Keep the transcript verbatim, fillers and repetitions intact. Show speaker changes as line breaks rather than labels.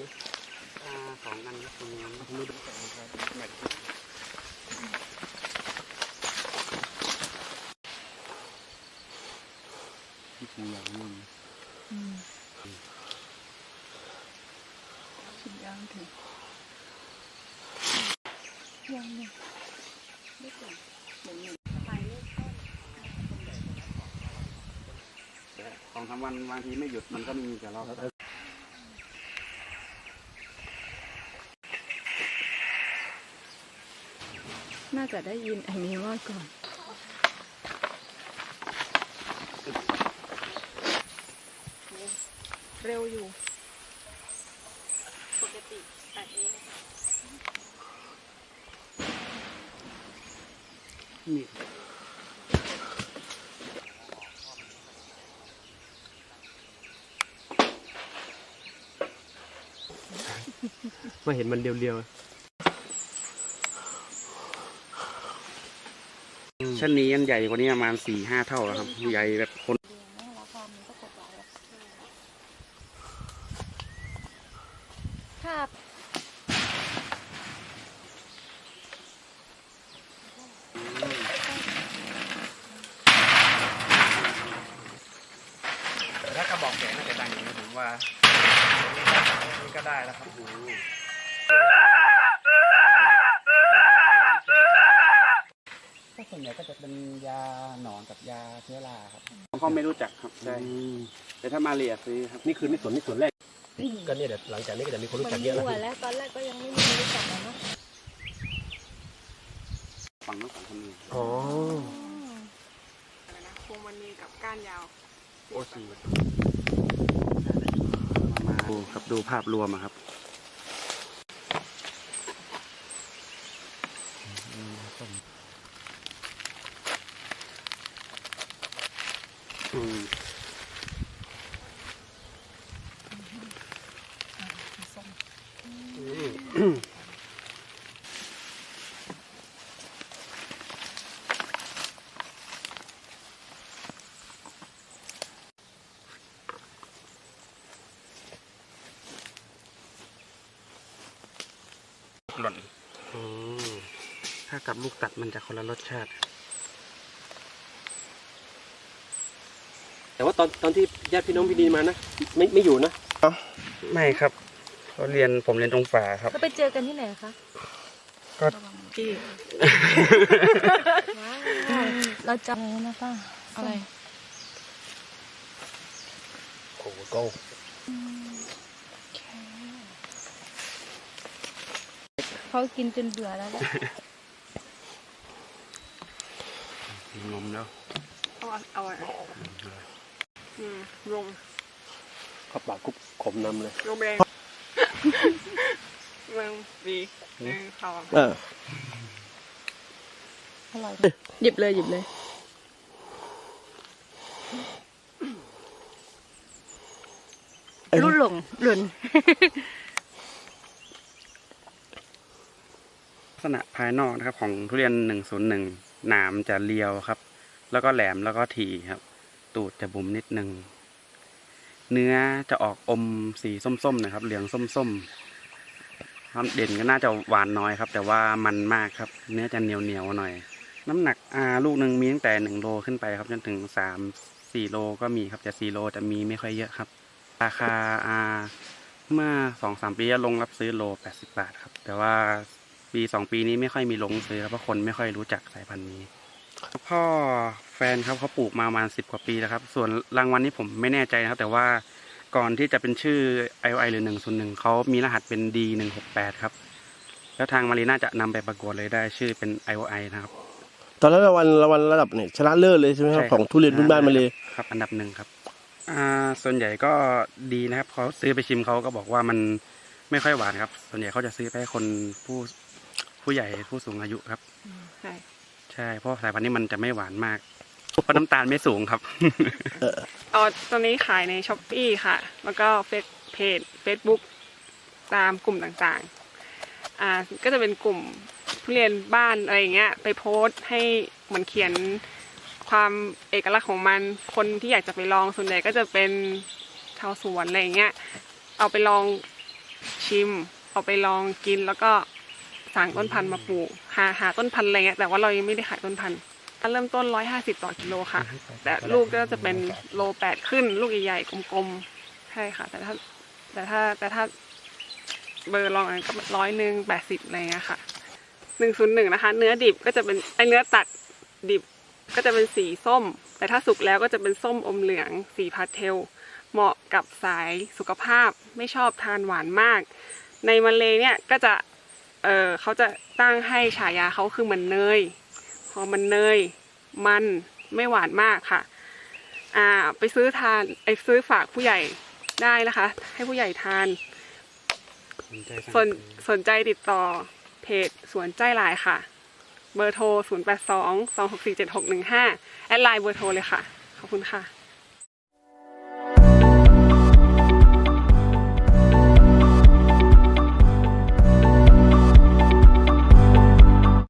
นะ
สองอันตรงนี้ไม่ดูแต่ครับแม็กที่ปูอย่างนู้น
ชิมย่างถึงย่างเนี่ยไม่ถึงเหมือนหนึ่งไปเรื่อยๆ
สองสามวันบางทีไม่หยุดมันก็มีแต่เรา
น่าจะได้ยินไอ้นี้ว่าก่อนเร็วอยู่ปกติแต่เอง
นี่
มาเห็นมันเดียวๆ
ชั้นนี้อันใหญ่กว่านี้ประมาณสี่ห้าเท่าแล้วครับใหญ่แบบคน
ครับ
แต่ถ้ากระบอกแขนน่าจะดังอย่างนี้ผมว่านี่ก็ได้แล้วครับก็ส่วนใหญ่ก็จะเป็นยาหนอนกับยาเชื้อราครับผมก็ไม่รู้จักครับใช่แต่ถ้ามาเรียซื้อครับ
นี่คือในส่วนนี่ส่วนแรกก็เนี่ยเดี๋ยวหลังจากนี้ก็จะมีคนรู้จักเยอะแล้ว
แล้วตอนแรกก็ยังไม่มีรู้จักนะ
ฝั่งนู้นฝั่งคนนี้
อ๋อ
พวงมันมีกับก้านยาว
โอ้สีมาดูครับดูภาพรวมครับอืมหล่นถ้ากับลูกตัดมันจะคนละรสชาติ
แต่ว่าตอนตอนที่ญาติพี่น้องพี่ดีมานะไม่ไม่อยู่นะ
ไม่ครับเขาเรียนผมเรียนตรงฝาครับ
เขาไปเจอกันที่ไหนคะ
ก็
ที่เราจำนะป้าอะไร
โอ้โก้
เขากินจนเบื่อแล้วแหละ
งมแล้ว
เอาเอาอะไรอืมลง
ขับปากกุ๊บขมนำเลย
ลงแดงเมืองดีหนึ่งสอง
เออ
อร่อยหยิบเลยหยิบเลยรุ่นหลงหล่น
ลักษณะภายนอกนะครับของทุเรียนหนึ่งศูนย์หนึ่งหนามจะเรียวครับแล้วก็แหลมแล้วก็ถี่ครับตูดจะบุ๋มนิดนึงเนื้อจะออกอมสีส้มๆนะครับเหลืองส้มๆความเด่นก็น่าจะหวานน้อยครับแต่ว่ามันมากครับเนื้อจะเหนียวเหนียวหน่อยน้ำหนักอ่าลูกหนึ่งมีตั้งแต่หนึ่งโลขึ้นไปครับจนถึงสามสี่โลก็มีครับแต่สี่โลจะมีไม่ค่อยเยอะครับราคาอ่าเมื่อสองสามปีลงรับซื้อโลแปดสิบบาทครับแต่ว่าปีสองปีนี้ไม่ค่อยมีลงซื้อครับเพราะคนไม่ค่อยรู้จักสายพันธุ์นี้พ่อแฟนครับเขาปลูกมาประมาณสิบกว่าปีแล้วครับส่วนรางวัลนี้ผมไม่แน่ใจนะครับแต่ว่าก่อนที่จะเป็นชื่อ ไอ โอ ไอ หรือหนึ่งศูนย์หนึ่งเขามีรหัสเป็น ดี หนึ่งหกแปด ครับแล้วทางมารีน่าจะนำไปประกวดเลยได้ชื่อเป็น ไอ โอ ไอ นะครับ
ตอนนั้นรางวัลรางวัลระดับเนี่ยชนะเลิศเลยใช่ไหมครับของทุเรียนพื้นบ้านมาเลย
ครับอันดับหนึ่งครับอ่าส่วนใหญ่ก็ดีนะครับเขาซื้อไปชิมเขาก็บอกว่ามันไม่ค่อยหวานครับส่วนใหญ่เขาจะซื้อไปให้คนผู้ผู้ใหญ่ผู้สูงอายุครับใช่ใช่เพราะสายพันธุ์นี้มันจะไม่หวานมากเพราะน้ำตาลไม่สูงครับ
อ๋อตอนนี้ขายในช้อปปี้ค่ะแล้วก็เฟซเพจเฟซบุ๊กตามกลุ่มต่างๆอ่าก็จะเป็นกลุ่มทุเรียนบ้านอะไรอย่างเงี้ยไปโพสต์ให้เหมือนเขียนความเอกลักษณ์ของมันคนที่อยากจะไปลองส่วนใหญ่ก็จะเป็นชาวสวนอะไรอย่างเงี้ยเอาไปลองชิมเอาไปลองกินแล้วก็สั่งต้นพันธุ์มาปลูกหาหาต้นพันธุ์อะไรเงี้ยแต่ว่าเรายังไม่ได้ขายต้นพันธุ์เริ่มต้นร้อยห้าสิบต่อกิโลค่ะแต่ลูกก็จะเป็นโลแปดขึ้นลูกใหญ่ๆกลมๆใช่ค่ะแต่ถ้าแต่ถ้าแต่ถ้าเบอร์ลองก็ร้อยหนึ่งแปดสิบอะไรเงี้ยค่ะหนึ่งศูนย์หนึ่งนะคะเนื้อดิบก็จะเป็นไอเนื้อตัดดิบก็จะเป็นสีส้มแต่ถ้าสุกแล้วก็จะเป็นส้มอมเหลืองสีพาสเทลเหมาะกับสายสุขภาพไม่ชอบทานหวานมากในมาเลเนี่ยก็จะเออเขาจะตั้งให้ฉายาเขาคือมันเนยพอมันเนยมันไม่หวานมากค่ะอ่าไปซื้อทานไอซื้อฝากผู้ใหญ่ได้นะคะให้ผู้ใหญ่ทานสนสนใจติดต่อเพจสวนใจหลายค่ะเบอร์โทรศูนย์ แปด สอง สอง หก สี่ เจ็ด หก หนึ่ง ห้าแอดไลน์เบอร์โทรเลยค่ะขอบคุณค่ะ